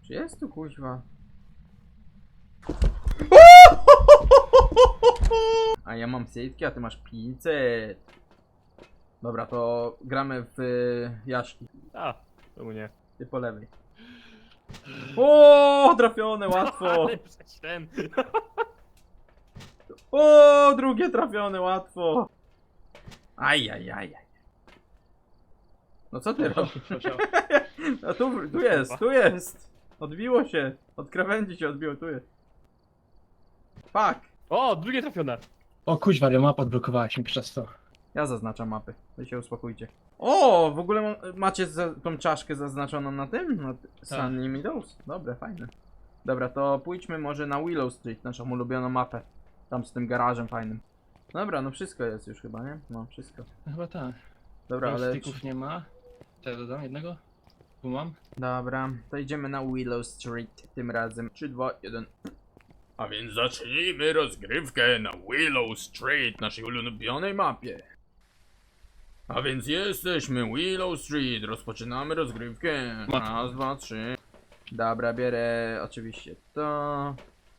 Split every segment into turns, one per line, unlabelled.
Czy jest tu kuźwa? A ja mam setki, a ty masz 500. Dobra, to gramy w Jaszki.
A, czemu nie?
Ty po lewej. O, trafione, łatwo.
Ale przecież ten.
O, drugie trafione, łatwo. Ajajaj. No co ty robisz? A tu jest. Odbiło się. Od krawędzi się odbiło, tu jest. Fuck.
O, drugie trafione.
O kuźwa, ale mapa odblokowała się przez to.
Ja zaznaczam mapy. Wy się uspokójcie. O, w ogóle macie tą czaszkę zaznaczoną na tym? Na Sunny Meadows? Dobre, fajne. Dobra, to pójdźmy może na Willow Street, naszą ulubioną mapę. Tam z tym garażem fajnym. Dobra, no wszystko jest już chyba, nie? No, wszystko.
No chyba tak.
Dobra, ale...
Styków nie ma. Co ja dodam? Jednego? Tu mam.
Dobra, to idziemy na Willow Street tym razem. 3, 2, 1. A więc zacznijmy rozgrywkę na Willow Street, naszej ulubionej mapie. A więc jesteśmy Willow Street, rozpoczynamy rozgrywkę. Raz, 2, 3. Dobra, bierę oczywiście to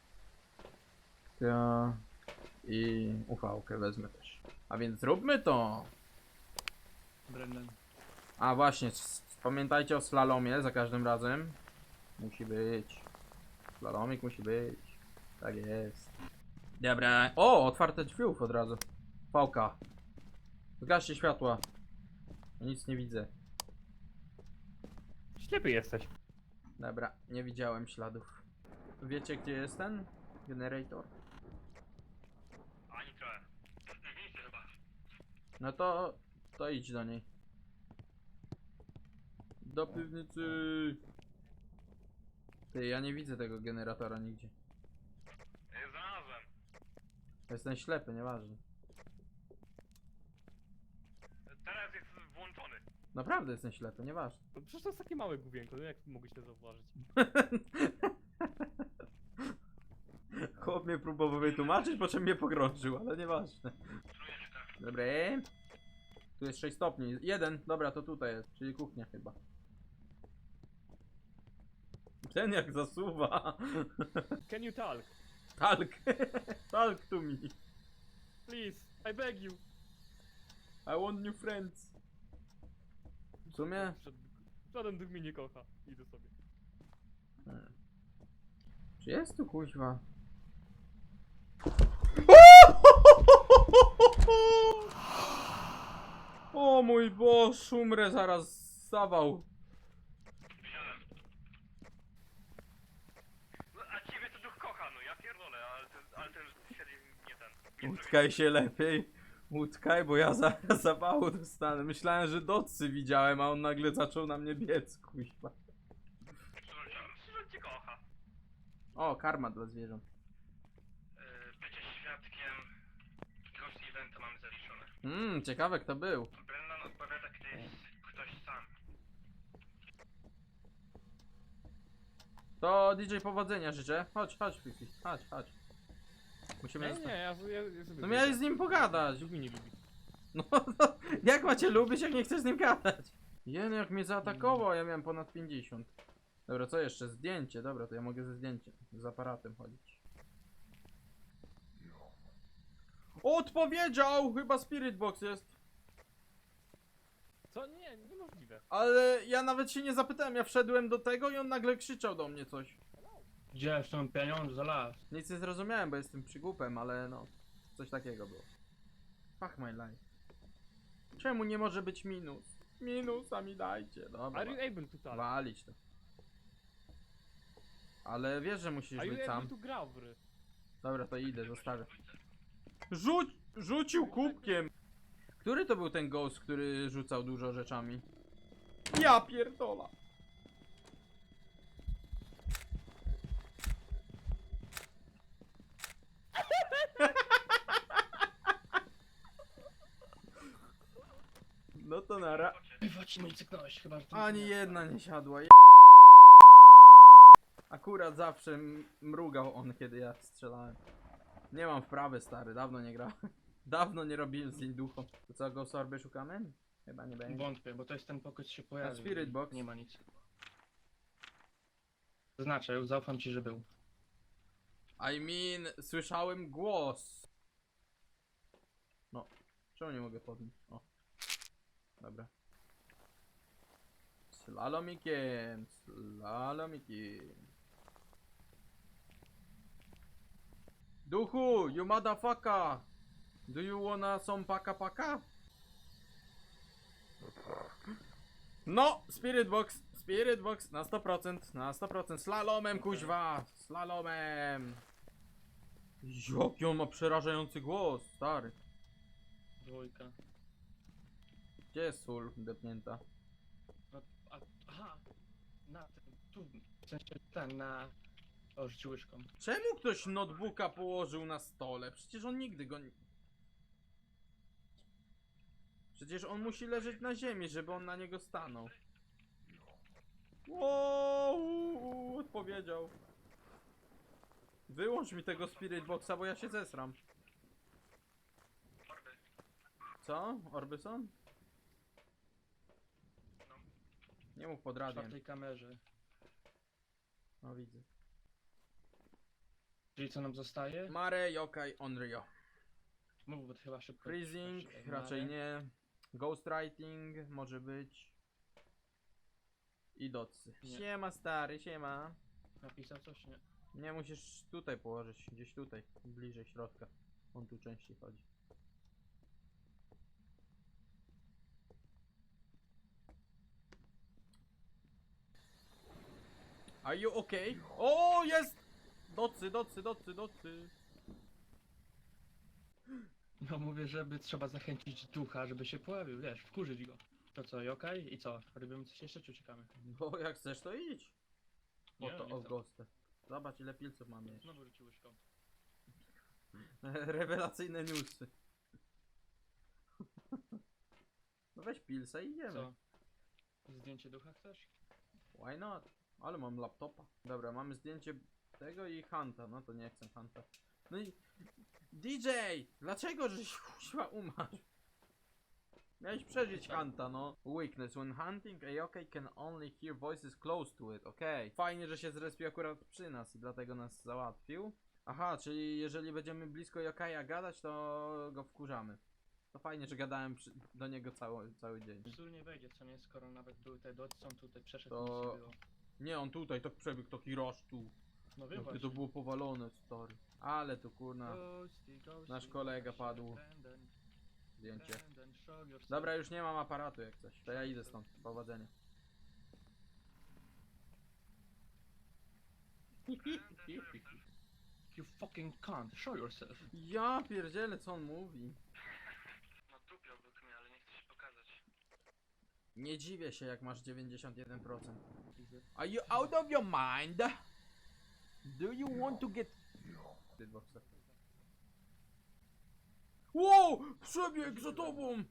i ufałkę wezmę też. A więc zróbmy to.
Brendan.
A właśnie, pamiętajcie o slalomie za każdym razem. Musi być. Slalomik musi być. Tak jest. Dobra. O, otwarte drzwiów od razu. Fałka. Zgaście światła. Nic nie widzę.
Ślepy jesteś.
Dobra, nie widziałem śladów. Wiecie gdzie jest ten generator?
Ani trochę. Nie widzicie chyba.
No to idź do niej. Do piwnicy. Ty, ja nie widzę tego generatora nigdzie.
Znalazłem.
Jestem ślepy, nieważne.
Teraz jest włączony.
Naprawdę jestem ślepy, nieważne.
No przecież to jest takie małe główienko, no jak mogłeś to zauważyć?
Chłop mnie próbował wytłumaczyć, po czym mnie pogrążył, ale nieważne. Dobra. Tu jest 6 stopni. 1, dobra, to tutaj jest, czyli kuchnia chyba. Ten jak zasuwa.
Can you talk?
Talk. Talk to me.
Please, I beg you.
I want new friends. W sumie?
Żaden duch mnie nie kocha. Idę sobie.
Czy jest tu kuźwa? O mój Boże, umrę zaraz, zawał.
No, a ciebie to duch kocha, no ja pierdolę, ale ten siedzi nie ten.
Utkaj się lepiej. Utkaj, bo ja zaraz zawału dostanę. Myślałem, że docy widziałem, a on nagle zaczął na mnie biec, kuźwa.
Że cię kocha.
O, karma dla zwierząt.
Bycie świadkiem jakiegoś eventu mamy zaliczone.
Ciekawe kto był.
Brennan odpowiada, gdy jest ktoś sam.
To DJ powodzenia życzę. Chodź, Fifi. Chodź. Musimy
Nie,
zostać.
ja sobie
No miałeś z nim pogadać.
Duch mnie nie lubi.
No, jak macie lubić, jak nie chcesz z nim gadać? Jen, jak mnie zaatakował, ja miałem ponad 50. Dobra, co jeszcze? Zdjęcie, dobra, to ja mogę ze zdjęciem, z aparatem chodzić. Odpowiedział! Chyba Spirit Box jest.
Co? Nie, niemożliwe.
Ale ja nawet się nie zapytałem, ja wszedłem do tego i on nagle krzyczał do mnie coś.
Gdzie są pieniądze za las?
Nic nie zrozumiałem, bo jestem przygłupem, ale no, coś takiego było. Fuck my life. Czemu nie może być minus? Minusa mi dajcie, dobra.
Are you able to talk?
Walić to. Ale wiesz, że musisz
Are
być
you
sam.
able to grawry?
Dobra, to idę, zostawię. Rzucił kubkiem! Który to był ten ghost, który rzucał dużo rzeczami? Ja pierdola! No to nara.
Chodź, nie cyknąłeś chyba, że to
Ani jedna nie siadła. Akurat zawsze mrugał on, kiedy ja strzelałem. Nie mam wprawy, stary, dawno nie grałem. Dawno nie robiłem z nim duchą. To co, Ghost Orby szukamy? Chyba nie będzie.
Wątpię, bo to jest ten pokój, co się pojawił.
Spirit Box.
Nie ma nic. Znaczy, zaufam ci, że był.
I mean, słyszałem głos. No, czemu nie mogę podnieść? O. Dobra. Slalomikiem, slalomikiem. Duchu, you motherfucker! Do you wanna some paka? No, Spirit Box na 100%, na 100%, slalomem kuźwa, slalomem. Jaki on ma przerażający głos, stary.
Dwójka.
Gdzie jest sól depnięta?
No, aha! Na tym, tu, w sensie ten, na... O, rzucił łyżką.
Czemu ktoś notebooka położył na stole? Przecież on nigdy go nie... Przecież on musi leżeć na ziemi, żeby on na niego stanął. Wow, odpowiedział. Wyłącz mi tego Spirit Boxa, bo ja się zesram.
Orby.
Co? Orbyson?
No.
Nie mów pod
W
radiem.
czwartej kamerze.
No widzę.
Czyli co nam zostaje?
Mare, Yokai, Onryo.
Mów, bo to chyba szybko.
Freezing,
szybko.
raczej
Mare.
nie. Ghostwriting, może być. I docy.
Nie.
Siema stary, siema.
Napisał coś? Nie.
Nie, musisz tutaj położyć, gdzieś tutaj, bliżej środka. On tu częściej chodzi. Are you okay? O, jest! Docy.
No mówię, żeby trzeba zachęcić ducha, żeby się pojawił, wiesz, wkurzyć go. To co, okej? I co? Robimy coś jeszcze, czy uciekamy?
Bo jak chcesz, to idź. Po
Nie,
to
nie
o
chcę.
ghostę. Zobacz ile pilców mamy jeszcze.
Znowu rzucił łyżką.
Rewelacyjne newsy. No weź pilsa i idziemy.
Co? Zdjęcie ducha chcesz?
Why not? Ale mam laptopa. Dobra, mamy zdjęcie tego i Hunta. No to nie chcę Hunta. No i... DJ! Dlaczego żeś kuźwa umarł? Miałeś przeżyć Hunta, no. Weakness. When hunting, a yokai can only hear voices close to it. Okej. Fajnie, że się zrespił akurat przy nas i dlatego nas załatwił. Aha, czyli jeżeli będziemy blisko yokaja gadać, to go wkurzamy. To fajnie, że gadałem do niego cały dzień.
Sól nie wejdzie, co nie, skoro nawet były te docy, są tutaj, przeszedł,
To-
nic nie było.
Nie, on tutaj tak przebiegł, taki rush tu.
No wiem
Jakie
właśnie.
to było powalone, stary. Ale tu kurna, Nasz kolega padł. zdjęcie. Dobra, już nie mam aparatu jak coś. To ja idę stąd. Powodzenia.
You fucking can't, show yourself.
Ja pierdzielę, co on mówi.
No tupiał obok mnie, ale nie chce się pokazać.
Nie dziwię się, jak masz 91%. Are you out of your mind? Do you want to get... Wow! Przebieg za tobą!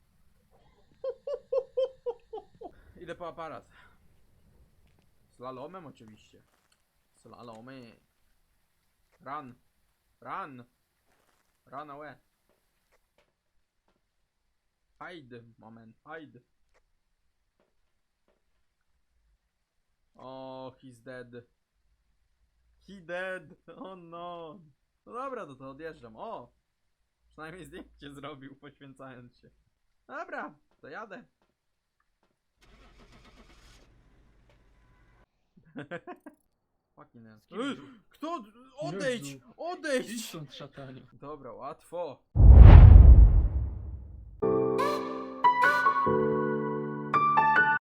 Idę po aparat. Slalomem oczywiście. Slalomy. Run. Run. Run away. Hide. Moment. Hide. Oh, he's dead. He dead. Oh no. No dobra, to odjeżdżam. O! Przynajmniej zdjęcie zrobił, poświęcając się. Dobra, to jadę. Fucking hell. Kto? Odejdź!
Jezu.
Odejdź!
Idź stąd, szataniu.
Dobra, łatwo.